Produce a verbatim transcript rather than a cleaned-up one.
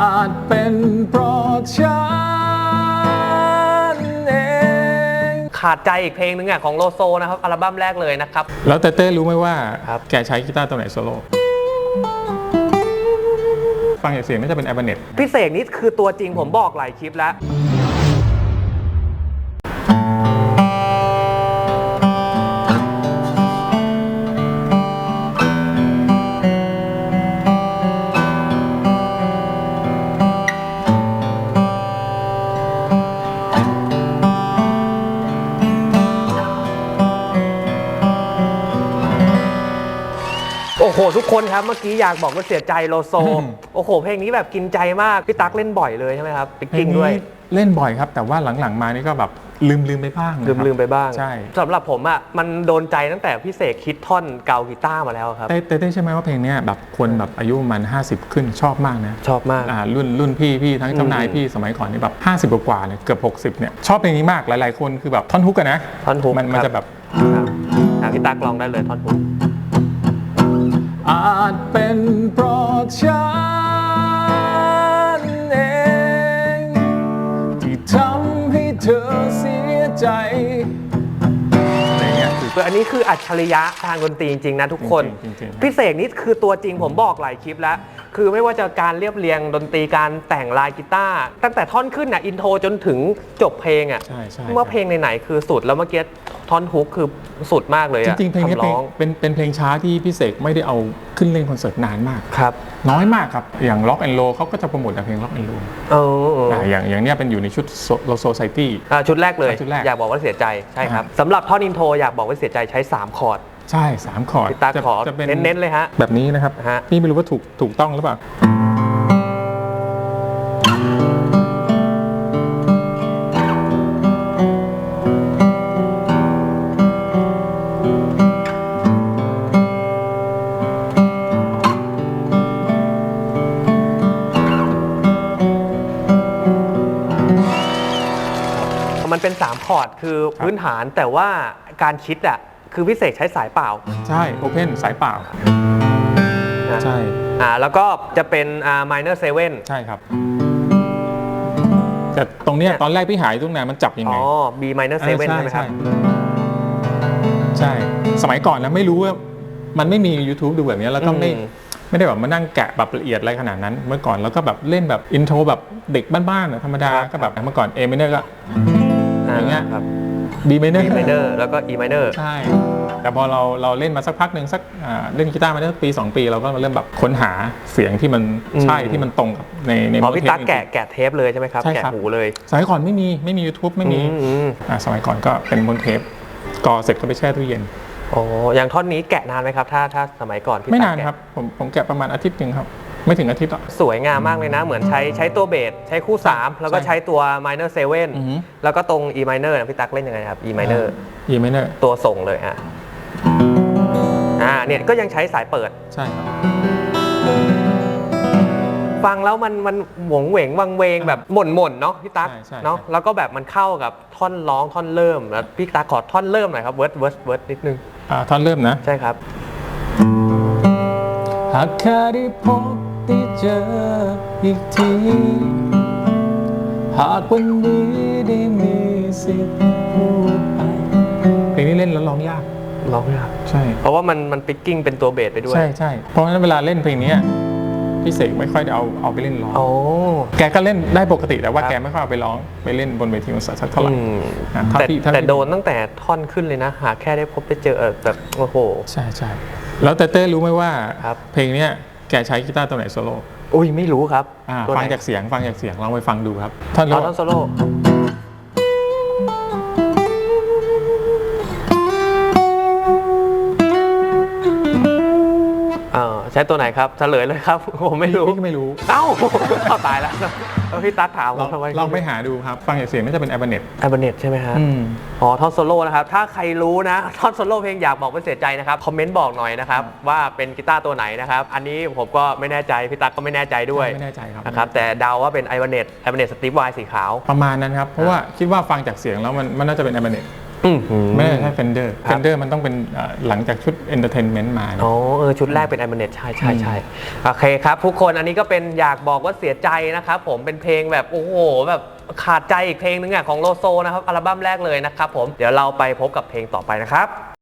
อาจเป็นเพราะฉันเองขาดใจอีกเพลงนึงอ่ะของโลโซนะครับอัลบั้มแรกเลยนะครับแล้วเต้เต้รู้ไหมว่าครับแกใช้กีตาร์ตัวไหนโซโล่ฟังจากเสียงน่าจะเป็นแอเบเน็ตพี่เสกนี่คือตัวจริงผมบอกหลายคลิปแล้วโอ้โหทุกคนครับเมื่อกี้อยากบอกว่าเสียใจโลโซ โอ้โหเพลงนี้แบบกินใจมากพี่ตั๊กเล่นบ่อยเลยใช่ไหมครับจริงด้วยเล่นบ่อยครับแต่ว่าหลังๆมานี่ก็แบบลืมลืมไปบ้างลืมลืมไปบ้างใช่สำหรับผมอ่ะมันโดนใจตั้งแต่พี่เสกคิดท่อนเกากีตาร์มาแล้วครับเต้เต้ใช่ไหมว่าเพลงนี้แบบคนแบบอายุประมาณห้าสิบขึ้นชอบมากนะชอบมากอ่ารุ่นรุ่นพี่พี่ทั้งเจ้านายพี่สมัยก่อนนี่แบบห้าสิบกว่าเนี่ยเกือบหกสิบเนี่ยชอบเพลงนี้มากหลายๆคนคือแบบท่อนฮุกกันนะท่อนฮุกมันมันจะแบบพี่ตั๊กลองได้เลยท่อนฮุกอาจเป็นเพราะฉันเองที่ทำให้เธอเสียใจอะไรเงี้ยคืออันนี้คืออัจฉริยะทางดนตรีจริงๆนะทุกคนพี่เสกนี่คือตัวจริงผมบอกหลายคลิปแล้วคือไม่ว่าจะการเรียบเรียงดนตรีการแต่งลายกีตาร์ตั้งแต่ท่อนขึ้นน่ะอินโทรจนถึงจบเพลงอ่ะเมื่อเพลงไหนๆคือสุดแล้วเมื่อกี้ท่อนฮุกคือสุดมากเลยจริงๆเพลงนี้เป็นเป็นเพลงช้าที่พี่เสกไม่ได้เอาขึ้นเล่นคอนเสิร์ตนานมากครับน้อยมากครับอย่าง Rock and Roll เขาก็จะโปรโมทแต่เพลง Rock and Roll เอออย่างอย่างเนี้ยเป็นอยู่ในชุด Low Society ชุดแรกเลยอยากบอกว่าเสียใจใช่ครับสำหรับท่อนอินโทรอยากบอกว่าเสียใจใช้สามคอร์ดใช่สามคอร์ดพี่ตั๊กขอเน้นๆเลยฮะแบบนี้นะครับพี่ไม่รู้ว่าถูกถูกต้องหรือเปล่ามันเป็นสามคอร์ดคือพื้นฐานแต่ว่าการคิดอ่ะคือพิเศษใช้สายเปล่าใช่โอเพนสายเปล่าใช่อ่าแล้วก็จะเป็นอ่า minor seven ใช่ครับแต่ตรงเนี้ยตอนแรกพี่หายตรงไหนมันจับยังไงอ๋อ B minor seven ใช่ไหมครับใช่สมัยก่อนนะไม่รู้ว่ามันไม่มี YouTube ดูแบบนี้แล้วก็ไม่ไม่ได้แบบมานั่งแกะแบบละเอียดอะไรขนาดนั้นเมื่อก่อนแล้วก็แบบเล่นแบบอินโทรแบบเด็กบ้านๆธรรมดาก็แบบเมื่อก่อน A minor ก็อย่างเงี้ยครับ B minor B minor แล้วก็ E minor ใช่แต่พอเราเราเล่นมาสักพักหนึ่งสักเล่นกีตาร์มาได้ปีสองปีเราก็เริ่มแบบค้นหาเสียงที่มันใช่ที่มันตรงกับในในพอพี่ตั๊กแกะแกะเทปเลยใช่ไหมครับแกะหูเลยสมัยก่อนไม่มีไม่มี YouTube ไม่มีสมัยก่อนก็เป็นบนเทปก่อเสร็จก็ไปแช่ตู้เย็นโอ้อย่างท่อนนี้แกะนานไหมครับถ้าถ้าสมัยก่อนพี่ตั๊กไม่นานครับผมผมแกะประมาณอาทิตย์นึงครับไม่ถึงอาทิตย์หรอกสวยงามมากเลยนะเหมือนใช้ใช้ตัวเบสใช้คู่สามแล้วก็ใช้ตัว minor seven แล้วก็ตรง E minor นะพี่ตั๊กเล่นยังไงครับ E minor E minor ตัวส่งเลยฮะอ่าเนี่ยก็ยังใช้สายเปิดใช่ครับฟังแล้วมันมันหวงเหวงวังเวงแบบหม่นหม่นเนาะพี่ตั๊กเนาะแล้วก็แบบมันเข้ากับท่อนร้องท่อนเริ่มแล้วพี่ตั๊กขอท่อนเริ่มหน่อยครับเวิร์ดเวิร์ดเวิร์ดนิดนึงอ่าท่อนเริ่มนะใช่ครับหากแค่ได้พบได้เจออีกทีหากวันนี้ได้มีสิทธิ์พูดไปเพลงนี้เล่นแล้วร้องยากร้องยากใช่เพราะว่ามันมันปิกกิ้งเป็นตัวเบสไปด้วยใช่ใช่เพราะฉะนั้นเวลาเล่นเพลงนี้พี่เสกไม่ค่อยได้เอาเอาไปเล่นร้องโอ้แกก็เล่นได้ปกติแต่ว่าแกไม่ค่อยเอาไปร้องไปเล่นบนเวทีคอนเสิร์ตสักเท่าไหร่แต่แต่โดนตั้งแต่ท่อนขึ้นเลยนะหากแค่ได้พบได้เจอแบบโอ้โหใช่ใช่แล้วเต้เต้รู้ไหมว่าเพลงนี้แกใช้กีตาร์ตัวไหนโซโล่อุ้ยไม่รู้ครับฟังจากเสียงฟังจากเสียงลองไปฟังดูครับท่อนโซโล่ใช้ตัวไหนครับเฉลยเลยครับผมไม่รู้พี่ก็ไม่รู้เอ้าเข้าตายแล้วพี่ตั๊กถามผมทำไมลองไปหาดูครับฟังจากเสียงน่าจะเป็นแอเบเน็ตแอเบเน็ตใช่ไหมฮะอ๋อท่อนโซโล่นะครับถ้าใครรู้นะท่อนโซโล่เพลงอยากบอกว่าเสียใจนะครับคอมเมนต์บอกหน่อยนะครับว่าเป็นกีตาร์ตัวไหนนะครับอันนี้ผมก็ไม่แน่ใจพี่ตั๊กก็ไม่แน่ใจด้วยไม่แน่ใจครับนะครับแต่เดาว่าเป็นแอเบเน็ตแอเบเน็ตสตีฟไวน์สีขาวประมาณนั้นครับเพราะว่าคิดว่าฟังจากเสียงแล้วมันมันน่าจะเป็นแอเบเน็ตอืมไม่ได้ใช่ Fender ครับ Fender มันต้องเป็นเอ่อหลังจากชุด Entertainment มานะอ๋อเออชุดแรกเป็น i m a n e t ใช่ใช่ใช่โอเคครับทุกคนอันนี้ก็เป็นอยากบอกว่าเสียใจนะครับผมเป็นเพลงแบบโอ้โหแบบขาดใจอีกเพลงนึงอ่ะของโลโซนะครับอัลบั้มแรกเลยนะครับผมเดี๋ยวเราไปพบกับเพลงต่อไปนะครับ